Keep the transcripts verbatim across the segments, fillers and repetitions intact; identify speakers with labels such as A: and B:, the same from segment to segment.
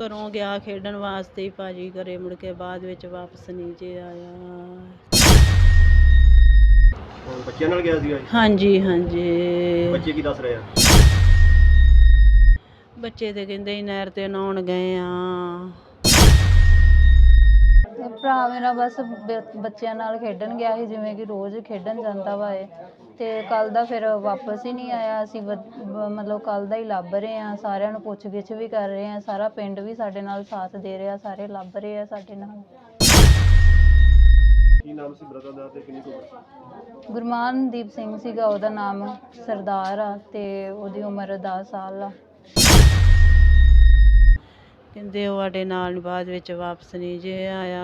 A: ਘਰੋਂ ਗਿਆ ਖੇਡਣ ਵਾਸਤੇ ਹੀ ਭਾਜੀ, ਘਰੇ ਮੁੜ ਕੇ ਬਾਅਦ ਵਿੱਚ ਵਾਪਸ ਨਹੀਂ ਜੇ ਆਇਆ।
B: ਹੁਣ ਬੱਚਿਆਂ ਨਾਲ ਗਿਆ ਸੀਗਾ ਜੀ?
A: ਹਾਂਜੀ ਹਾਂਜੀ।
B: ਬੱਚੇ ਕੀ ਦੱਸ ਰਹੇ ਆ?
A: ਬੱਚੇ ਤੇ ਕਹਿੰਦੇ ਸੀ ਨਹਿਰ ਤੇ ਨਹਾਉਣ ਗਏ ਆ।
C: ਇਹ ਭਰਾ ਮੇਰਾ ਬਸ ਬ- ਬੱਚਿਆਂ ਨਾਲ ਖੇਡਣ ਗਿਆ ਸੀ, ਜਿਵੇਂ ਕਿ ਰੋਜ਼ ਖੇਡਣ ਜਾਂਦਾ ਵਾ ਇਹ। ਤੇ ਕੱਲ ਦਾ ਫਿਰ ਵਾਪਸ ਹੀ ਨਹੀਂ ਆਇਆ। ਅਸੀਂ ਵ- ਬ- ਮਤਲਬ ਕੱਲ ਦਾ ਹੀ ਲੱਭ ਰਹੇ ਹਾਂ, ਸਾਰਿਆਂ ਨੂੰ ਪੁੱਛ ਗਿੱਛ ਵੀ ਕਰ ਰਹੇ ਹਾਂ, ਸਾਰਾ ਪਿੰਡ ਵੀ ਸਾਡੇ ਨਾਲ ਸਾਥ ਦੇ ਰਿਹਾ, ਸਾਰੇ ਲੱਭ ਰਹੇ ਆ ਸਾਡੇ ਨਾਲ।
B: ਕੀ ਨਾਮ ਸੀ ਬ੍ਰਦਰ ਦਾ ਤੇ ਕਿੰਨੀ ਕੁ ਉਮਰ ਸੀ?
C: ਗੁਰਮਾਨਦੀਪ ਸਿੰਘ ਸੀਗਾ ਉਹਦਾ ਨਾਮ, ਸਰਦਾਰ ਆ, ਤੇ ਉਹਦੀ ਉਮਰ ਦਸ ਸਾਲ ਆ।
A: ਕਹਿੰਦੇ ਉਹ ਸਾਡੇ ਨਾਲ ਬਾਅਦ ਵਿੱਚ ਵਾਪਸ ਨਹੀਂ ਜੇ ਆਇਆ।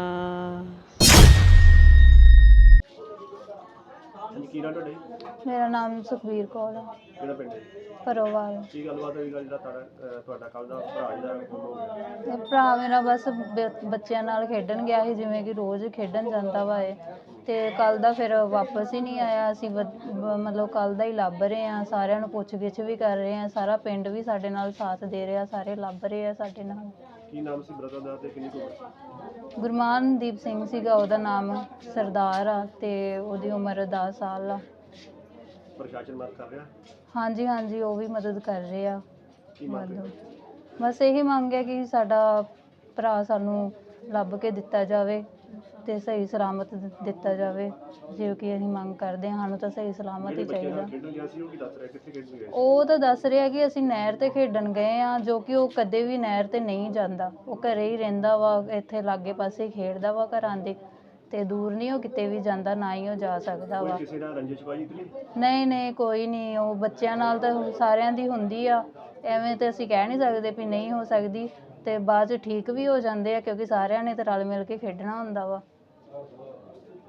B: ਹਾਂਜੀ, ਕੀ ਨਾਮ ਤੁਹਾਡੇ?
C: ਮੇਰਾ ਨਾਮ ਸੁਖਬੀਰ ਕੌਰ ਆ,
B: ਕਿਹੜਾ ਪਿੰਡ ਹੈ?
C: ਪਰੋਵਾਲ।
B: ਕੀ ਗੱਲਬਾਤ ਹੋਈ ਗੱਲ ਜਿਹੜਾ ਤੁਹਾਡਾ ਅਹ ਤੁਹਾਡਾ ਕੱਲ ਦਾ ਭਰਾ ਜਿਹੜਾ ਗੁੰਮ ਹੋ ਗਿਆ?
C: ਇਹ ਭਰਾ ਮੇਰਾ ਬਸ ਬ- ਬੱਚਿਆਂ ਨਾਲ ਖੇਡਣ ਗਿਆ ਸੀ, ਜਿਵੇਂ ਕਿ ਰੋਜ਼ ਖੇਡਣ ਜਾਂਦਾ ਵਾ ਇਹ। ਤੇ ਕੱਲ ਦਾ ਫਿਰ ਵਾਪਸ ਹੀ ਨਹੀਂ ਆਇਆ। ਅਸੀਂ ਵ- ਬ- ਮਤਲਬ ਕੱਲ ਦਾ ਹੀ ਲੱਭ ਰਹੇ ਹਾਂ, ਸਾਰਿਆਂ ਨੂੰ ਪੁੱਛ ਗਿੱਛ ਵੀ ਕਰ ਰਹੇ ਹਾਂ, ਸਾਰਾ ਪਿੰਡ ਵੀ ਸਾਡੇ ਨਾਲ ਸਾਥ ਦੇ ਰਿਹਾ, ਸਾਰੇ ਲੱਭ ਰਹੇ ਆ ਸਾਡੇ ਨਾਲ।
B: ਕੀ ਨਾਮ ਸੀ ਬ੍ਰਦਰ ਦਾ ਤੇ ਕਿੰਨੀ ਕੁ ਉਮਰ ਸੀ?
C: ਗੁਰਮਾਨਦੀਪ ਸਿੰਘ ਸੀਗਾ ਉਹਦਾ ਨਾਮ, ਸਰਦਾਰ ਆ, ਤੇ ਉਹਦੀ ਉਮਰ ਦਸ ਸਾਲ ਆ।
B: ਪ੍ਰਸ਼ਾਸਨ ਮਦਦ ਕਰ ਰਿਹਾ?
C: ਹਾਂਜੀ ਹਾਂਜੀ, ਉਹ ਵੀ ਮਦਦ ਕਰ ਰਹੇ ਆ।
B: ਕੀ ਮੰਗ
C: ਮਦਦ
B: ਕਰਦੇ?
C: ਬਸ ਇਹੀ ਮੰਗ ਹੈ ਕਿ ਸਾਡਾ ਭਰਾ ਸਾਨੂੰ ਲੱਭ ਕੇ ਦਿੱਤਾ ਜਾਵੇ ਤੇ ਸਹੀ ਸਲਾਮਤ ਦਿ- ਦਿੱਤਾ ਜਾਵੇ, ਜੋ ਕਿ ਅਸੀਂ ਮੰਗ ਕਰਦੇ ਹਾਂ। ਸਾਨੂੰ ਤਾਂ ਸਹੀ ਸਲਾਮਤ
B: ਜਿਹੜੇ
C: ਹੀ
B: ਬੱਚੇ
C: ਚਾਹੀਦਾ।
B: ਨਾਲ ਖੇਡਣ ਗਿਆ ਸੀ ਉਹ ਕੀ ਦੱਸ ਰਿਹਾ, ਕਿੱਥੇ ਖੇਡਣ ਗਏ ਸੀ?
C: ਉਹ ਤਾਂ ਦੱਸ ਰਿਹਾ ਕਿ ਅਸੀਂ ਨਹਿਰ ਤੇ ਖੇਡਣ ਗਏ ਆ, ਜੋ ਕਿ ਉਹ ਕਦੇ ਵੀ ਨਹਿਰ ਤੇ ਨਹੀਂ ਜਾਂਦਾ, ਉਹ ਘਰੇ ਹੀ ਰਹਿੰਦਾ ਵਾ, ਇੱਥੇ ਲਾਗੇ ਪਾਸੇ ਖੇਡਦਾ ਵਾ ਘਰਾਂ ਦੇ, ਤੇ ਦੂਰ ਨਹੀਂ ਉਹ ਕਿਤੇ ਵੀ ਜਾਂਦਾ, ਨਾ ਹੀ ਉਹ ਜਾ ਸਕਦਾ
B: ਕੋਈ
C: ਵਾ।
B: ਕਿਸੇ ਨਾਲ ਰੰਜਿਸ਼ਬਾਜੀ ਤੇ ਨਹੀਂ?
C: ਨਹੀਂ ਨਹੀਂ, ਕੋਈ ਨਹੀਂ। ਉਹ ਬੱਚਿਆਂ ਨਾਲ ਤਾਂ ਸਾਰਿਆਂ ਦੀ ਹੁੰਦੀ ਆ, ਐਵੇਂ ਤੇ ਅਸੀਂ ਕਹਿ ਨਹੀਂ ਸਕਦੇ ਵੀ ਨਹੀਂ ਹੋ ਸਕਦੀ, ਤੇ ਬਾਅਦ 'ਚ ਠੀਕ ਵੀ ਹੋ ਜਾਂਦੇ ਆ, ਕਿਉਂਕਿ ਸਾਰਿਆਂ ਨੇ ਤਾਂ ਰਲ ਮਿਲ ਕੇ ਖੇਡਣਾ ਹੁੰਦਾ ਵਾ।